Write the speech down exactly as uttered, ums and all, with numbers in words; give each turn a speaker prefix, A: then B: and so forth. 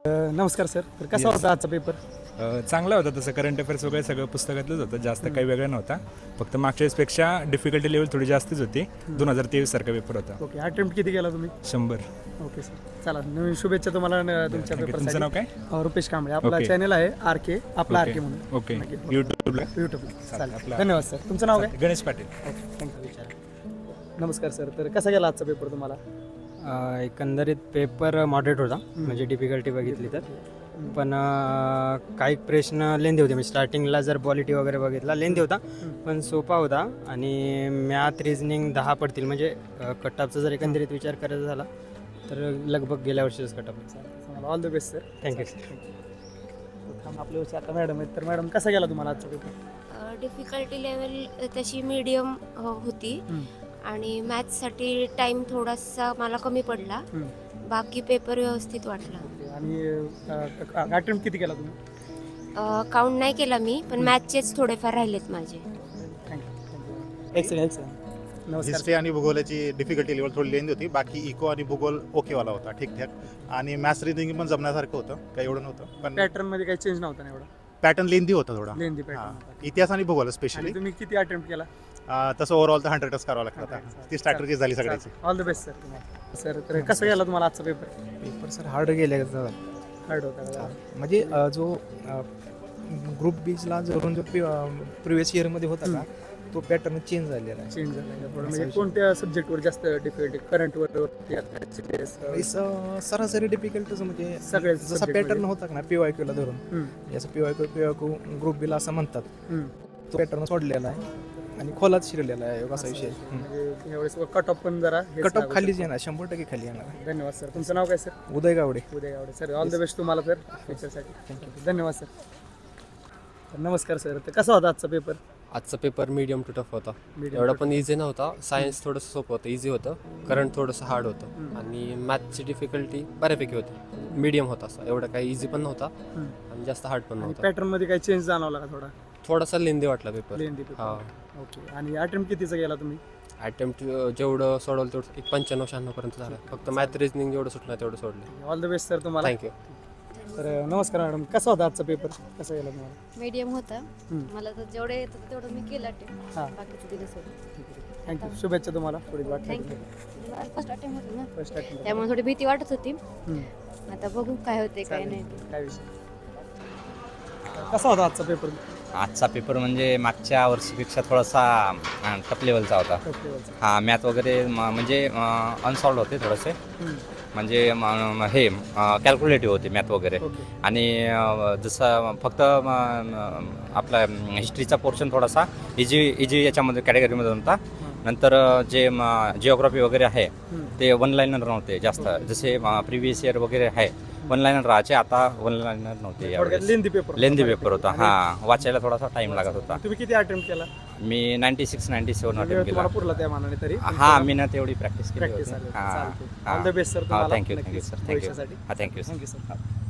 A: अ, नमस्कार सर. तर कसा
B: Yes.
A: होता आजचा पेपर?
B: अ, चांगला होता तसं. करंट अफेअर्स वगैरे सगळं पुस्तकातलंच होतं. जास्त काही वेगळं नव्हता. फक्त मागच्या वेळेसपेक्षा डिफिकल्टी लेवल थोडी जास्तच होती. दोन हजार तेवीस सारखा पेपर होता.
A: ओके. अटेम्प्ट किती केला तुम्ही?
B: शंभर.
A: Okay sir. चला, नवीन शुभेच्छा तुम्हाला न- तुमच्या
B: Thank you.
A: पेपरसाठी.
B: तुमचं नाव काय?
A: अ, रुपेश कांबळे. आपला
B: Okay.
A: चॅनल आहे आर के, आपला आर
B: ओके
A: के म्हणून.
B: ओके
A: नक्की.
B: यूट्यूबला
A: यूट्यूबला. चालेल.
B: आपला-
A: धन्यवाद सर. तुमचं नाव काय?
B: गणेश पाटील.
A: ओके. थँक्यू. विचारा. नमस्कार सर. तर कसा गेला आजचा पेपर तुम्हाला?
C: अ, एकंदरीत पेपर मॉडरेट होता, म्हणजे डिफिकल्टी बघितली तर. पण अ, काही प्रश्न लेंदी होते, म्हणजे स्टार्टिंगला जर पॉलिटी वगैरे बघितला लेंदी होता, पण सोपा होता. आणि मॅथ रिझनिंग दहा पडतील, म्हणजे कटअपचा जर एकंदरीत विचार करायचा झाला तर लगभग गेल्या वर्षीच कटअप.
A: All the best sir.
C: Thank you sir.
A: आपल्या वर्षी आता मॅडम आहेत. तर मॅडम कसा गेला तुम्हाला आजचा पेपर?
D: डिफिकल्टी लेवल तशी मीडियम होती आणि मॅथ्ससाठी टाईम थोडासा मला कमी पडला. बाकी पेपर व्यवस्थित वाटला.
A: आणि अटेम्प्ट किती केला तुम्ही?
D: काउंट नाही केला मी, पण मॅथचेच थोडेफार राहिलेत माझे.
A: थँक्यू. Excellent excellent. नमस्कार.
E: हिस्ट्री आणि भूगोलाची डिफिकल्टी लेवल थोडी लेंदी होती. बाकी इको आणि भूगोल ओकेवाला होता, ठीकठाक. आणि मॅथ्स रिझनिंग पण जमण्यासारखं होतं, काही एवढं नव्हतं. पण
A: पॅटर्न मध्ये काही चेंज नव्हता ना एवढा?
E: पॅटर्न लेंदी होता थोडा.
A: लेंदी
E: हां.
A: पॅटर्न.
E: इतिहास आणि भूगोल स्पेशली.
A: आणि तुम्ही किती अटेम्प्ट केला?
E: तसं ओव्हरऑल तर हंड्रेडच करावं लागतं आता. ती स्ट्रॅटर्जी झाली सगळ्याची.
A: ऑल द बेस्ट सर तुम्हाला. सर, तर कसं गेला तुम्हाला आजचा पेपर?
F: पेपर सर हार्ड गेले
A: हार्ड होता का?
F: म्हणजे अ, जो ग्रुप बीजला जरून जो प्रिव्हियस इयरमध्ये होता का तो पॅटर्न चेंज झालेला आहे.
A: चेंज झाला का थोडं? म्हणजे कोणत्या सब्जेक्टवर जास्त डिफिकल्टी? करंटवर?
F: इस, अ, सरासरी डिफिकल्टच म्हणजे
A: सगळे
F: जसा
A: subject
F: पॅटर्न
A: मध्ये?
F: होता ना पी वाय क्यूला धरून, जसं P Y Q P Y Q group बीला असं म्हणतात, तो पॅटर्न सोडलेला आहे आणि खोलात शिरलेला आहे असा विषय.
A: म्हणजे यावेळेस कट ऑफ पण जरा हेच
F: कट ऑफ
A: लागू
F: खालीच
A: शकतो.
F: येणार, शंभर टक्के खाली येणार.
A: धन्यवाद सर. तुमचं नाव काय सर?
F: उदय गावडे.
A: उद्या आवडे सर. ऑल द बेस्ट तुम्हाला सर फ्युचरसाठी. थँक्यू. धन्यवाद सर. तर नमस्कार सर. तर कसा होता आजचा पेपर?
G: आजचा पेपर मीडियम टू टफ होता.
A: Medium
G: एवढा
A: to
G: पण इझी नव्हता. सायन्स थोडंसं सोपं होतं, इझी होतं. करंट थोडंसं हार्ड होतं. आणि मॅथची डिफिकल्टी बऱ्यापैकी होती. मीडियम होता असा, एवढा काही इझी पण नव्हता आणि जास्त हार्ड पण
A: आणि
G: नव्हता.
A: पॅटर्न मध्ये काही चेंज जाणवला का थोडा?
G: थोडासा लेंदी वाटला पेपर.
A: लेंदी
G: हा.
A: पेपर. ओके. आणि अटेम्प्ट कितीचा गेला तुम्ही?
G: अटेम्प्ट जेवढं सोडवलं तेवढं एक पंच्याण्णव शहाण्णव पर्यंत झालं. फक्त मॅथ रिजनिंग जेवढं सुटलं तेवढं सोडलं.
A: ऑल द बेस्ट सर तुम्हाला.
G: थँक्यू.
A: तर नमस्कार मॅडम. कसा होता आजचा पेपर? कसा गेला तुम्हाला?
H: मीडियम होता.
A: हम्म.
H: मला तर जेवढे येत होतं तेवढं मी केलं अटेम्प्ट.
A: हां.
H: बाकीचं दिलं सोडून.
A: थँक्यू. शुभेच्छा तुम्हाला पुढील वाटत.
H: थँक्यू. फर्स्ट अटेम्प्ट होतं ना,
A: फर्स्ट अटेम्प्ट.
H: त्यामुळे थोडी भीती वाटत होती. आता बघू काय होते काय नाही ते.
A: काय विषय? कसा होता आजचा पेपर?
I: आजचा पेपर म्हणजे मागच्या वर्षीपेक्षा थोडासा टफ लेवलचा होता. हा, मॅथ वगैरे म- म्हणजे अनसॉल्ड होते थोडेसे, म्हणजे म- म- हे कॅल्क्युलेटिव्ह होते मॅथ वगैरे.
A: ओके.
I: आणि अ, जसं फक्त म- म- आपला हिस्ट्रीचा पोर्शन थोडासा इजी इजी याच्यामध्ये कॅटेगरीमध्ये होता. नंतर अ, जे जिओग्राफी वगैरे आहे ते वन लाईनर नव्हते जास्त, जसे प्रिव्हियस इयर वगैरे आहे वन लाईनर राहायचे, आता वन लाईनर नव्हते यावेळेस.
A: Lengthy paper.
I: लेंदी पेपर होता. हा, वाचायला थोडासा टाइम लागत होता.
A: तुम्ही किती अटेम्प्ट केला?
I: मी नाईन्टी सिक्स नाईन्टी सेवन
A: वेळ
I: अटेम्प्ट केला.
A: तुम्हाला पुरला त्या मानाने तरी?
I: हा, मी ना तेवढी प्रॅक्टिस केली
A: प्रॅक्टिस
I: होती.
A: आली.
I: हा
A: ऑल द बेस्ट सर तुम्हाला.
I: थँक्यू थँक्यू
A: नक्कीच
I: सर. थँक्यू
A: भविष्यासाठी.
I: हा, थँक्यू
A: थँक्यू सर.